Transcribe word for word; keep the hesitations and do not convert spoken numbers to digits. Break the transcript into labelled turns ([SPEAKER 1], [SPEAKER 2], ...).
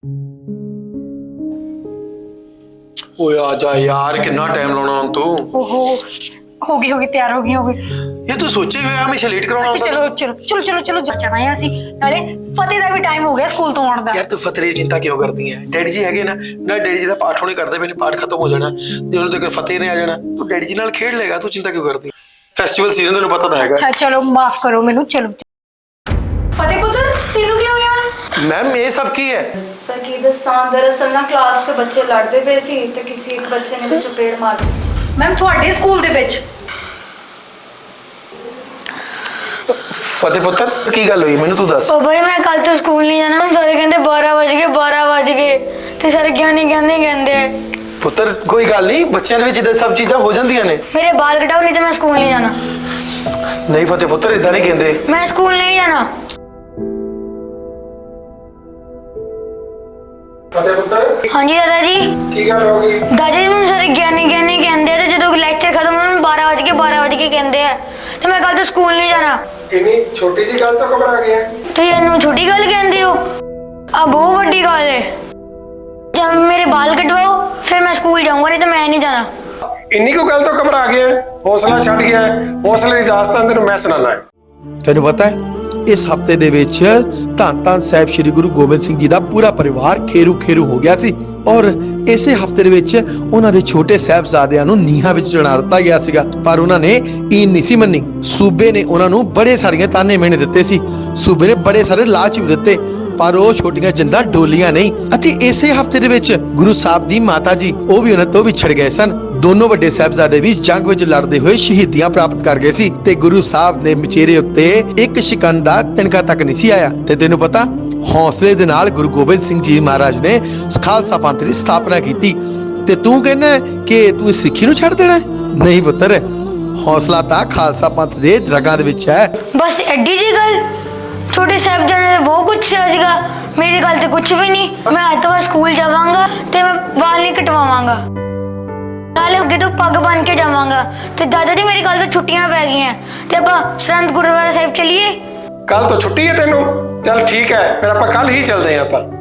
[SPEAKER 1] ओए आजा यार, कितना टाइम लाना हम तू।
[SPEAKER 2] ओहो, होगी होगी तैयार होगी होगी।
[SPEAKER 1] ये तू सोचे हुए हमेशा लेट कराना
[SPEAKER 2] अच्छा चलो चलो चलो चलो चलो जाना है ਅਸੀਂ ਨਾਲੇ ਫਤਿਹ ਦਾ ਵੀ ਟਾਈਮ ਹੋ ਗਿਆ ਸਕੂਲ ਤੋਂ ਆਉਣ ਦਾ।
[SPEAKER 1] यार तू फतेह की चिंता क्यों करती है? डैडी जी हैगे ना ना, डैडी जी का पाठ होने करते पे, पाठ खत्म हो जाना जे उन्होंने तक फतेह ने आ जाना, तू डैडी जी नाल खेड लेगा, तू चिंता क्यों करती है? फेस्टिवल सीजन तेन पता तो हैगा।
[SPEAKER 2] अच्छा चलो माफ करो मेनू, चलो फतेह पुੱਤਰ ਤੈਨੂੰ ਕੀ ਹੋ ਗਿਆ?
[SPEAKER 1] मैम ये सब की है?
[SPEAKER 3] सर की दसां दरअसल ना क्लास से बच्चे लड़ते पे सी ते किसी एक बच्चे ने भी चपेड़ मार दी।
[SPEAKER 2] ਮੈਮ ਤੁਹਾਡੇ ਸਕੂਲ ਦੇ ਵਿੱਚ
[SPEAKER 1] फतेह पुत्र की गल हुई मैनू तू दस।
[SPEAKER 4] ओ भाई मैं कल तो स्कूल नहीं जाना, सारे कहते बारह बज गए बारह बज गए ते सारे ज्ञानी कहते कहते
[SPEAKER 1] पुत्र कोई गल नहीं, बच्चों के विच सब चीज़ां हो जांदियां ने।
[SPEAKER 4] मेरे बाल कटाओ नहीं तो मैं स्कूल नहीं जाना।
[SPEAKER 1] नहीं फतेह पुत्र इदां नहीं कहंदे।
[SPEAKER 4] मैं स्कूल नहीं जाना।
[SPEAKER 5] फतेह पुत्र
[SPEAKER 4] हाँ जी दादा जी।
[SPEAKER 5] की गल हो गई?
[SPEAKER 4] दादा जी मैं सारे ज्ञानी ज्ञानी कहते हैं जो लेक्चर खत्म होने बारह बज के बारह बज के कहते हैं तो मैं कल तो स्कूल नहीं जाना।
[SPEAKER 5] इन्नी छोटी जी गल तो घबरा गया है।
[SPEAKER 4] तो ये इन्नू छोटी गल कहते हो, अब बहुत बड़ी गल है। जब मेरे बाल कटवाओ फिर मैं स्कूल जाऊंगा, नहीं तो मैं नहीं जाना।
[SPEAKER 5] इन्नी को गल तो घबरा गया है, हौसला छड़ गया है। हौसले की दास्तान तेन मैं सुनाना है।
[SPEAKER 6] ਤੈਨੂੰ ਪਤਾ ਹੈ ਇਸ ਹਫਤੇ ਦੇ ਵਿੱਚ ਧੰਨ ਧੰਨ ਸਾਹਿਬ ਸ੍ਰੀ ਗੁਰੂ ਗੋਬਿੰਦ ਸਿੰਘ ਜੀ ਦਾ ਪੂਰਾ ਪਰਿਵਾਰ ਖੇਰੂ ਖੇਰੂ ਹੋ ਗਿਆ ਸੀ ਔਰ ਇਸੇ ਹਫਤੇ ਦੇ ਵਿੱਚ ਉਹਨਾਂ ਦੇ ਛੋਟੇ ਸਾਹਿਬਜ਼ਾਦਿਆਂ ਨੂੰ ਨੀਹਾਂ ਵਿੱਚ ਚੜਾ ਦਿੱਤਾ ਗਿਆ ਸੀਗਾ, ਪਰ ਉਹਨਾਂ ਨੇ ਈਨ ਨਹੀਂ ਸੀ ਮੰਨੀ। ਸੂਬੇ ਨੇ ਉਹਨਾਂ ਨੂੰ ਬੜੇ ਸਾਰੀਆਂ ਤਾਨੇ ਮਿਹਣੇ ਦਿੱਤੇ ਸੀ, ਸੂਬੇ ਨੇ ਬੜੇ ਸਾਰੇ ਲਾਲਚ ਵੀ ਦਿੱਤੇ, ਪਰ ਉਹ ਛੋਟੀਆਂ ਜਿੰਦਾਂ ਡੋਲੀਆਂ ਨਹੀਂ। ਅਤੇ ਇਸੇ ਹਫਤੇ ਦੇ ਵਿੱਚ ਗੁਰੂ ਸਾਹਿਬ ਦੀ ਮਾਤਾ ਜੀ ਉਹ ਵੀ ਉਹਨਾਂ ਤੋਂ ਵਿਛੜ ਗਏ ਸਨ। ਦੋਨੋਂ ਵੱਡੇ ਸਾਹਿਬਜ਼ਾਦੇ ਵੀ ਜੰਗ ਵਿੱਚ ਲੜਦੇ ਹੋਏ ਸ਼ਹੀਦੀਆਂ ਪ੍ਰਾਪਤ ਕਰ ਗਏ ਸੀ ਤੇ ਗੁਰੂ ਸਾਹਿਬ ਦੇ ਮਚੇਰੇ ਉੱਤੇ ਇੱਕ ਸ਼ਿਕੰਨ ਦਾ ਤਿਨਕਾ ਤੱਕ ਨਹੀਂ ਸੀ ਆਇਆ। ਤੇ ਤੈਨੂੰ ਪਤਾ ਹੌਸਲੇ ਦੇ ਨਾਲ ਗੁਰੂ ਗੋਬਿੰਦ ਸਿੰਘ ਜੀ ਮਹਾਰਾਜ ਨੇ ਖਾਲਸਾ ਪੰਥ ਦੀ ਸਥਾਪਨਾ ਕੀਤੀ ਤੇ ਤੂੰ ਕਹਿੰਦਾ ਕਿ ਤੂੰ ਇਸ ਸਿੱਖੀ ਨੂੰ ਛੱਡ ਦੇਣਾ? ਨਹੀਂ ਪੁੱਤਰ, ਹੌਸਲਾ ਤਾਂ ਖਾਲਸਾ ਪੰਥ ਦੇ ਰਗਾਂ ਦੇ ਵਿੱਚ ਹੈ।
[SPEAKER 4] बस एडी जी गल, छोटे साहबजादे ने बहुत कुछ सीगा, मेरी गल तो कुछ भी नहीं। मैं आज तो बाद स्कूल जावांगा ते मैं बाल नहीं कटवावांगा, नाले अगे तो पग बन के जावांगा। ते दादा जी मेरी गल तो छुट्टियां पै गई हैं ते आपां सरहंद गुरुद्वारा साहिब चलिए।
[SPEAKER 5] कल तो छुट्टी है तेनू? चल ठीक है, फिर आप कल ही चलते हैं। आप